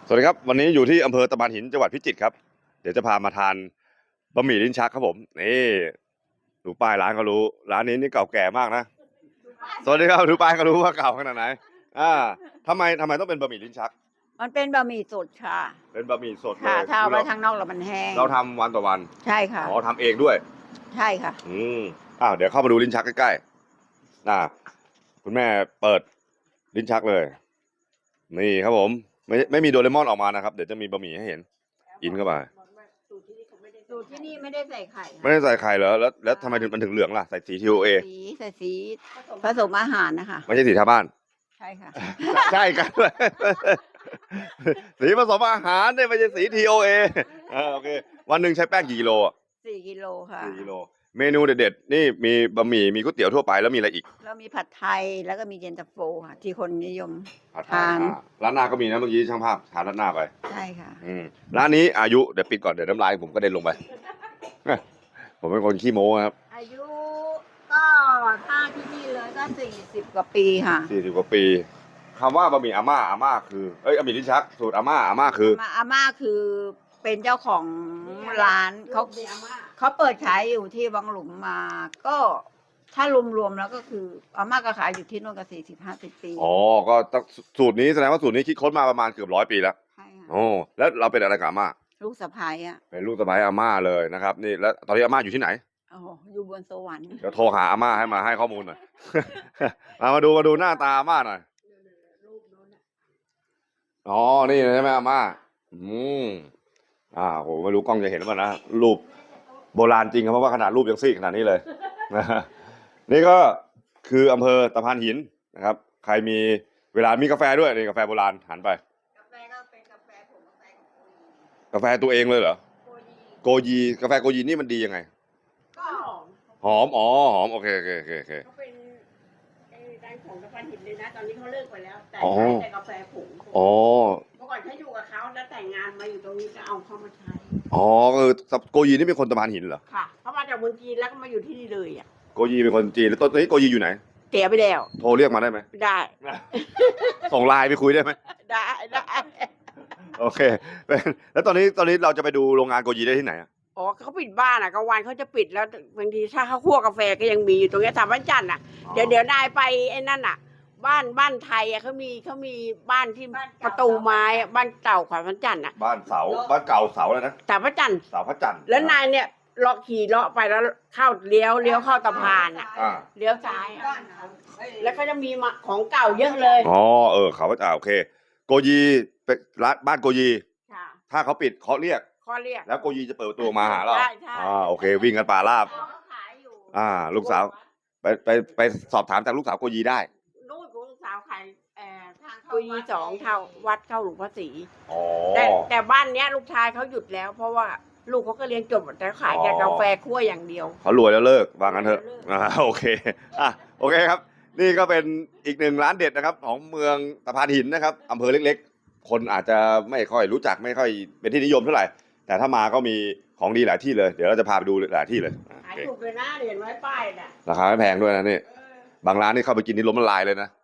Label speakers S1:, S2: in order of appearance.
S1: สวัสดีครับวันนี้อยู่ที่อำเภอตะพานหินจังหวัดพิจิตรครับเดี๋ยวจะพามาทานบะหมี่ลิ้นชักครับผมนี่ดูป้ายร้านก็รู้ร้านนี้นี่เก่าแก่มากนะสวัสดีครับดูป้ายก็รู้ว่าเก่าขนาดไหนอ่าทำไมต้องเป็นบะหมี่ลิ้นชัก
S2: มันเป็นบะหมี่สดค่ะ
S1: เป็นบะหมี่สดเล
S2: ค่ะ
S1: ย
S2: ถ้าเอาไว้ข้างนอกแล้วมันแห้ง
S1: เราทำวันต่อวัน
S2: ใช่ค่ะ
S1: อ๋อทำเองด้วย
S2: ใช่ค่ะ
S1: เดี๋ยวเข้ามาดูลิ้นชักใกล้ๆคุณแม่เปิดลิ้นชักเลยนี่ครับผมไม่มีโดเรมอนออกมานะครับเดี๋ยวจะมีบะหมี่ให้เห็นกินเข้าไป
S2: สูตรที่นี่ไม่ได้ใส่ไข่
S1: ไม่ได้ใส่ไข่เหรอแล้วทำไมมันถึงเหลืองล่ะใส่สี TOA
S2: ใส่สีผสมอาหารนะคะ
S1: ไม่ใช่สีทาบ้าน
S2: ใช่ค่ะ
S1: ใช่กันด้วยสีผสมอาหารเนี่ยไม่ใช่สี TOA โอเควันหนึ่งใช้แป้งกี่กิโล
S2: 4 กิโลค่ะ
S1: 4 กิโลเมนูเด็ดๆนี่มีบะหมี่มีก๋วยเตี๋ยวทั่วไปแล้วมีอะไรอีก
S2: แล้วมีผัดไทยแล้วก็มีเย็นตาโฟค่ะที่คนนิยมทาน
S1: ร้านหน้าก็มีนะเมื่อกี้ช่างภาพทานร้านหน้าไป
S2: ใช่ค่ะ
S1: ร้านนี้อายุเดี๋ยวปิดก่อนเดี๋ยวน้ำลายผมก็เด็นลงไปผมเป็นคนขี้โม้ครับ
S2: อายุก็ถ้าที่นี่เลยก็40 กว่าปีค่ะ
S1: 40 กว่าปีคำว่าบะหมี่อาม่าคือบะหมี่ลิ้นชักสูตรอาม่าคือ
S2: อาม่าคือเป็นเจ้าของร้านเขาเปิดขายอยู่ที่วังหลุมมาก็ถ้ารวมๆแล้วก็คืออาม่าก็ขายอยู่ที่นู่นก็40-50 ปี
S1: อ๋อก็สูตรนี้แสดงว่าสูตรนี้คิดค้นมาประมาณเกือบ100 ปีแล้ว
S2: ใช่ค่ะ
S1: โอ้แล้วเราเป็นอะไรกับอาม่า
S2: ลูกสะใภ้อ่ะ
S1: เป็นลูกสะใภ้อาม่าเลยนะครับนี่แล้วตอนนี้อาม่าอยู่ที่ไหน
S2: โอ้อยู่บนสวรรค์
S1: เดี๋ยวโทรหาอาม่าให้มาให้ข้อมูลหน่อย มาดูหน้าตาอาม่าหน่อยอ๋อนี่ใช่ไหมอาม่าโหไม่รู้กล้องจะเห็นหรือเปล่านะรูปโบราณจริงครับเพราะว่าขนาดรูปยังซีดขนาดนี้เลย นี่ก็คืออำเภอตะพานหินนะครับใครมีเวลามีกาแฟด้วยนี่กาแฟโบราณหันไป
S2: กาแฟก็เป็นกาแฟผง
S1: กาแฟตัวเองเลยเหรอโกยีกาแฟโกยีนี่มันดียังไง
S2: ก็
S1: หอมหอมโอเค
S2: เขาเป็นร้านของตะพานหินเลยนะตอนนี้เขาเลิกไปแล้วแต่ใช้แต่กาแฟผงเมื่อก่อนเขาอยู่กับเขาแล้วแต่งงานมาอยู่ตรงนี้ก็เอาเข้ามาใช้
S1: คือโกยีนี่เป็นคนตะพานหินเหรอ
S2: ค่ะเขามาจากเมืองจีนแล้วก็มาอยู่ที่นี่เลยอ่ะ
S1: โกยีเป็นคนจีนแล้วตอนนี้โกยีอยู่ไหน
S2: เสียไปแล้ว
S1: โทรเรียกมาได้ไหม
S2: ได้
S1: ส่งไลน์ไปคุยได้ไหม
S2: ได้
S1: โอเคแล้วตอนนี้เราจะไปดูโรงงานโกยีได้ที่ไหน
S2: อ๋อเขาปิดบ้านอ่ะกลางวันเขาจะปิดแล้วบางทีถ้าเขาคั่วกาแฟก็ยังมีอยู่ตรงนี้ถามวันจันทร์อ่ะเดี๋ยวนายไปไอ้นั่นอ่ะบ้านไทยอ่ะเขามีบ้านที่ประตูไม้บ้านเก่าขวัญพระจันทร์อ่ะ
S1: บ้านเก่าเสาแล้วนะ
S2: แต่พระจันทร์
S1: เสาพระจันทร์
S2: แล้วนายเนี่ยขี่เลาะไปแล้วเข้าเลี้ยวเข้าตะพานอ่ะเลี้ยวซ้ายแล้วก็จะมีของเก่าเยอะเลย
S1: เขาพระจันทร์โอเคโกยีเป็นร้านบ้านโกยีถ้าเขาปิดเขาเรียกแล้วโกยีจะเปิดประตูมาหาเราโอเควิ่งกันป่าราบลูกสาวไปสอบถามจากลูกสาวโกยีได้
S2: นู่นลูกสาวขายทางโกยี2เท่าวัดเข้าหลวงพ่อศรีแต่บ้านเนี้ยลูกชายเขาหยุดแล้วเพราะว่าลูกเขาก็เรียนจบแต่ขายแต่กาแฟคั่วอย่างเดียว
S1: เขารวยแล้วเลิกว่างั้นเถอะโอเคโอเคครับนี่ก็เป็นอีกหนึ่งร้านเด็ดนะครับของเมืองตะพานหินนะครับอำเภอเล็กๆคนอาจจะไม่ค่อยรู้จักไม่ค่อยเป็นที่นิยมเท่าไหร่แต่ถ้ามาก็มีของดีหลายที่เลยเดี๋ยวเราจะพาไปดูหลายที่เลย
S2: ขายถูกเลยนะเห็นไว้ป้ายน่ะ
S1: ราคาไม่แพงด้วยนะนี่บางร้านนี่เข้าไปกินนี่ล้มละลายเลยนะ